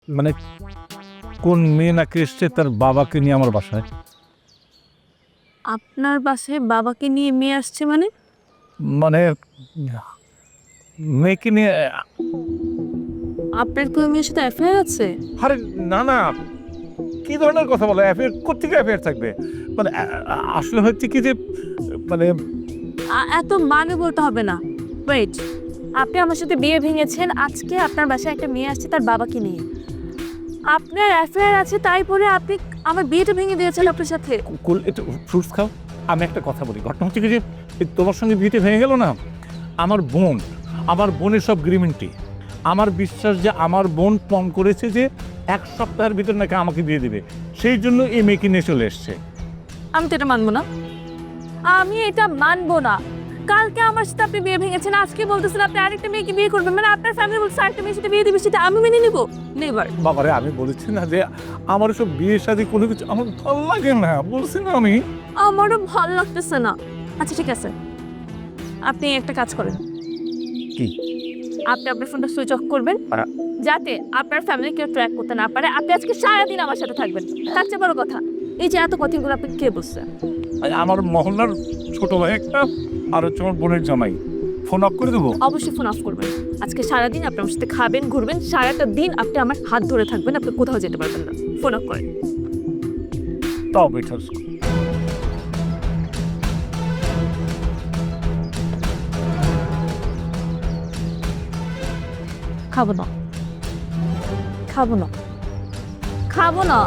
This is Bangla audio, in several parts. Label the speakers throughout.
Speaker 1: মানে কোন মেয়ে নাকি এসছে তার বাবাকে নিয়ে আমার বাসায়?
Speaker 2: আপনার বাসায় বাবাকে নিয়ে মেয়ে আসছে মানে?
Speaker 1: মানে মেয়েকে নিয়ে?
Speaker 2: আপনার কি ওই মেয়ের সাথে অ্যাফেয়ার আছে?
Speaker 1: আরে না না, কি ধরনের কথা বলো? অ্যাফেয়ার কোত্থেকে অ্যাফেয়ার থাকবে? মানে আসলে হচ্ছে কি যে মানে
Speaker 2: এত মানে বলতে হবে না। ওয়েট, আপনি আমার সাথে বিয়ে ভেঙেছেন, আজকে আপনার বাসায় একটা মেয়ে আসছে তার বাবাকে নিয়ে। আপনার অ্যাফেয়ার আছে তাই বলে আপনি আমার বিয়েটা ভেঙে দিয়েছেন আপনার সাথে?
Speaker 1: একটু ফ্রুটস খাও। আমি একটা কথা বলি, ঘটনা হচ্ছে কি যে এই তোমার সঙ্গে বিয়েতে ভেঙে গেল না, আমার বোনের সব গ্রিমেন্টি। আমার বিশ্বাস যে আমার বোন পণ করেছে যে 1 সপ্তাহের ভিতর নাকি আমাকে দিয়ে দেবে, সেই জন্য এই মেয়েকে নিয়ে চলে এসছে।
Speaker 2: আমি তো এটা মানবো না, আমি এটা মানবো না। কালকে আমার সাথে আপনি বিয়ে ভেঙেছেন, আজকে বলতেছেন আপনি আরেকটা মেয়েকে বিয়ে করবেন, মানে আপনার ফ্যামিলি বলছে আরেকটা মেয়ের সাথে বিয়ে দিবে, সেটা আমি মেনে নিব? নেভার।
Speaker 1: বাবারে, আমি বলেছি না যে আমার সব বিয়ে শাদী কোনো কিছু আমার ভালো লাগে না, বলছি না আমি।
Speaker 2: আমারও ভালো লাগতেছে না। আচ্ছা ঠিক আছে, আপনি একটা কাজ করেন।
Speaker 1: কি?
Speaker 2: আপনি আপনার ফোনটা সুইচ অফ করবেন, যাতে আপনার ফ্যামিলি কেউ ট্র্যাক করতে না পারে। আপনি আজকে সারাদিন আমার সাথে থাকবেন। তার চেয়ে বড় কথা, এই যে এত কথাগুলো আপনি কে বলছে?
Speaker 1: আমার মহল্লার ছোট ভাই একটা, আর হচ্ছে আমার বোনের জামাই। ফোন অফ করে দেবো?
Speaker 2: অবশ্যই ফোন অফ করবেন। আজকে সারাদিন আপনি আমার সাথে খাবেন, ঘুরবেন, সারাটা দিন আপনি আমার হাত ধরে থাকবেন, আপনি কোথাও যেতে পারবেন না। ফোন অফ করেন।
Speaker 1: তাও বেটার।
Speaker 2: খাবো না, খাবো না, খাবো না।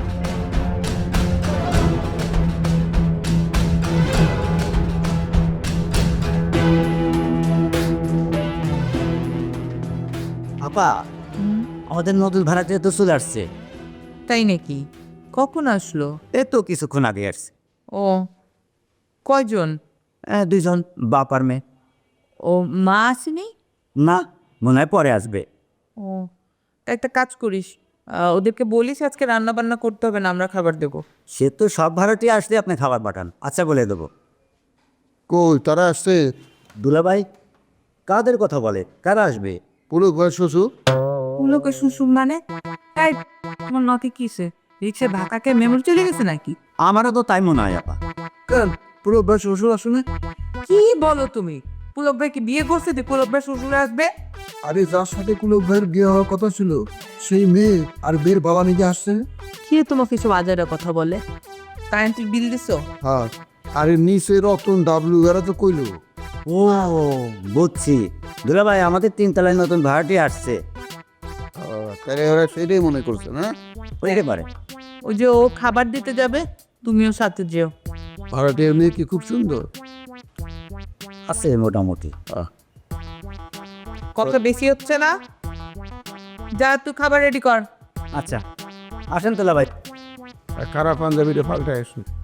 Speaker 3: আপা, আমাদের নতুন ভাড়াটিয়া তো চলে আসছে।
Speaker 4: তাই নাকি? কখন আসলো?
Speaker 3: এই তো কিছুক্ষণ আগে আসছে।
Speaker 4: ও, কয়জন?
Speaker 3: 2 জন, বাপ আর মেয়ে।
Speaker 4: ও, মা আসেনি?
Speaker 3: না, মনে হয় পরে আসবে।
Speaker 4: ও, তা একটা কাজ করিস, ওদেরকে বলিস আজকে রান্না বান্না করতে হবে না, আমরা খাবার দেবো।
Speaker 3: সে তো সব ভাড়াটিয়া আসলে আপনি খাবার পাঠান, আচ্ছা বলে দেবো।
Speaker 5: কই তারা আসছে?
Speaker 3: দুলাভাই, কাদের কথা বলে? কারা আসবে?
Speaker 5: পুরো ঘর শ্বশুর।
Speaker 4: লোকে শ্বশুর মানে? তাই তোমার নথি কিসে? রিক্সে ঢাকাকে মেমোরি চলে গেছে নাকি?
Speaker 3: আমারও তো তাই মনে হয় আপা।
Speaker 5: কেন পুরো ঘর শ্বশুর আসলে?
Speaker 4: কি বলো তুমি? পুলক ভাই কি বিয়ে করছে যে পুলক ভাই শ্বশুরে আসবে?
Speaker 5: আরে যার সাথে কোনো ভাইয়ের বিয়ে হওয়ার কথা ছিল সেই মেয়ে আর মেয়ের বাবা নিজে আসছে।
Speaker 4: কে তোমাকে সব আজারের কথা বলে? কারেন্টের বিল দিছো?
Speaker 5: হ্যাঁ, আরে নিচে রতন ডাবলু এরা তো কইলো।
Speaker 3: ও বুঝছি, দুলাভাই আমাদের 3 তলায় নতুন ভাড়াটিয়া আসছে।
Speaker 5: তাহলে ওরা সেটাই মনে করছে না?
Speaker 3: হইতে পারে।
Speaker 4: ওই যে ও খাবার দিতে যাবে, তুমিও সাথে যেও।
Speaker 5: ভাড়াটিয়া মেয়ে কি খুব সুন্দর?
Speaker 3: আছে মোটামুটি।
Speaker 4: কথা বেশি হচ্ছে না? যা, তুই খাবার রেডি কর।
Speaker 3: আচ্ছা, আসেন দুলাভাই।
Speaker 5: আর খারাপ পাঞ্জাবিটা পাল্টায় আসুন।